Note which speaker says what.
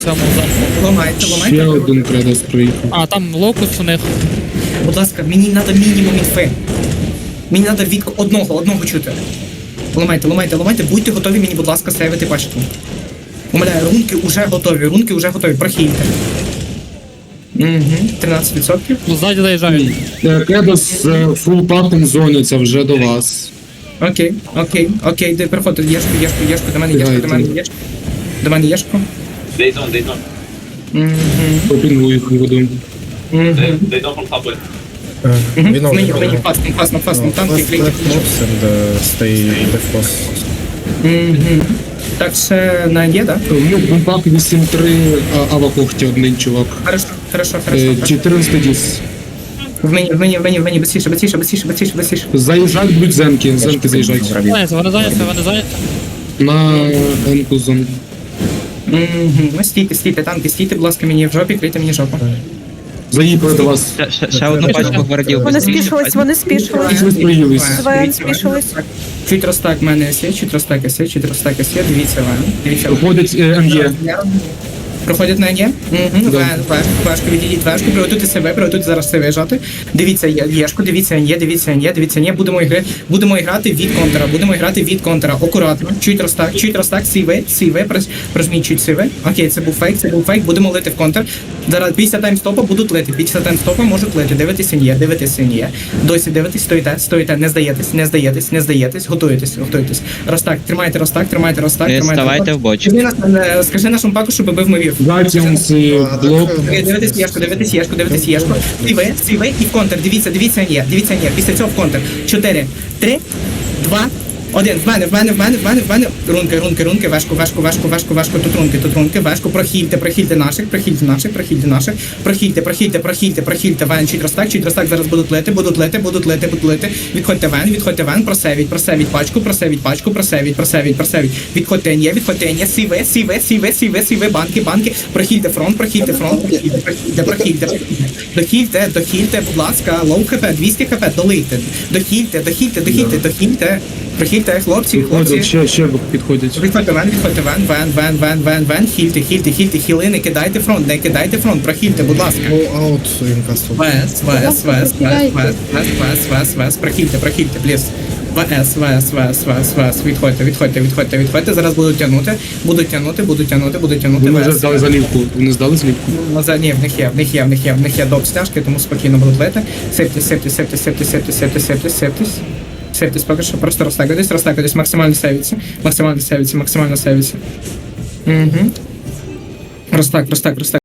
Speaker 1: цьому замку.
Speaker 2: Ламайте,
Speaker 3: Ще
Speaker 2: ламайте.
Speaker 3: один кредос проїхав.
Speaker 1: А, там локус у них.
Speaker 2: Будь ласка, мені треба мінімум інфи. Мені треба від одного чути. Ламайте. Будьте готові мені, будь ласка, сейвити пачку. Умоляю, рунки вже готові, прохильте. Угу, 13%.
Speaker 1: Ну, ззаді заїжджають.
Speaker 3: Кредос фул паком зоняться вже до вас.
Speaker 2: Окей, де переходить, єшку, до мене єшку. До мене єшку.
Speaker 4: They don't.
Speaker 3: Попінгу їх воду.
Speaker 4: They don't from subway.
Speaker 2: Мені фастом, танки, клейки.
Speaker 5: Stay defrost.
Speaker 2: Так, ще на є, да?
Speaker 3: Бумпак 8-3, авакохті один чувак.
Speaker 2: Хорошо.
Speaker 3: 14 діс.
Speaker 2: В мені, быстріше.
Speaker 3: Заїжджають будуть земки заїжджають.
Speaker 1: Вони зайняті.
Speaker 3: На енку зону.
Speaker 2: Стійте, танки, стійте, будь ласка, мені в жопі, крийте мені жопу.
Speaker 3: Заїхали до вас.
Speaker 6: Ще одну пачку гвардів.
Speaker 7: Вони спішились.
Speaker 3: Ви споїлись.
Speaker 7: ЗВН спішились.
Speaker 2: Чуть розтак в мене сє, чуть розтак сє, дивіться вам.
Speaker 3: Проходить МЄ.
Speaker 2: Проходять на НЄ? Важко відійдіть, важко, приготуйте зараз себе жати. Дивіться єшку, дивіться НЄ, будемо грати від контра, акуратно, чуть розтак, сіве, прожміть чуть сіве. Окей, це був фейк, будемо лити в контр. Зараз після таймстопа будуть лити, можуть лити, дивитися НЄ. Досі дивитесь, стоїте, не здаєтесь, готуєтесь. Розтак, тримайте розтак.
Speaker 6: Ставайте в бочку.
Speaker 2: Скажи нашому паку, щоб бив мовів.
Speaker 3: Гатіонс, блок.
Speaker 2: Дивитись єшку. Сіве і в контр. Дивіться НЄ. Після цього в контр. 4, 3, 2, 1. В мене. Рунки. Важко. Тут рунки. Важко. Прохильте наших. Прохильте. Вен, чуть розтак. Зараз будуть лети. Відходьте вен. Просевіть пачку. Відходьте НЄ. Сіве. Банки. Прохильте фронт. Дохильте, будь ласка. Лоу хп, 200 хп, долийте. Дохильте. Прохильте, хлопці.
Speaker 3: Ще підходять.
Speaker 2: Відходьте вен. Хільте. Хіли, не кидайте фронт. Прохильте, будь ласка.
Speaker 5: Go out in castle.
Speaker 2: Вес. Прохильте, пліс. ВС. Відходьте. Зараз будуть тягнути.
Speaker 3: Вони вже здали залівку. Вони здали залівку.
Speaker 2: Ні, в них є доп стяжки, тому спокійно будуть лити. Септись поки що, просто розтакуйтесь, максимально сейвіться. Розтак.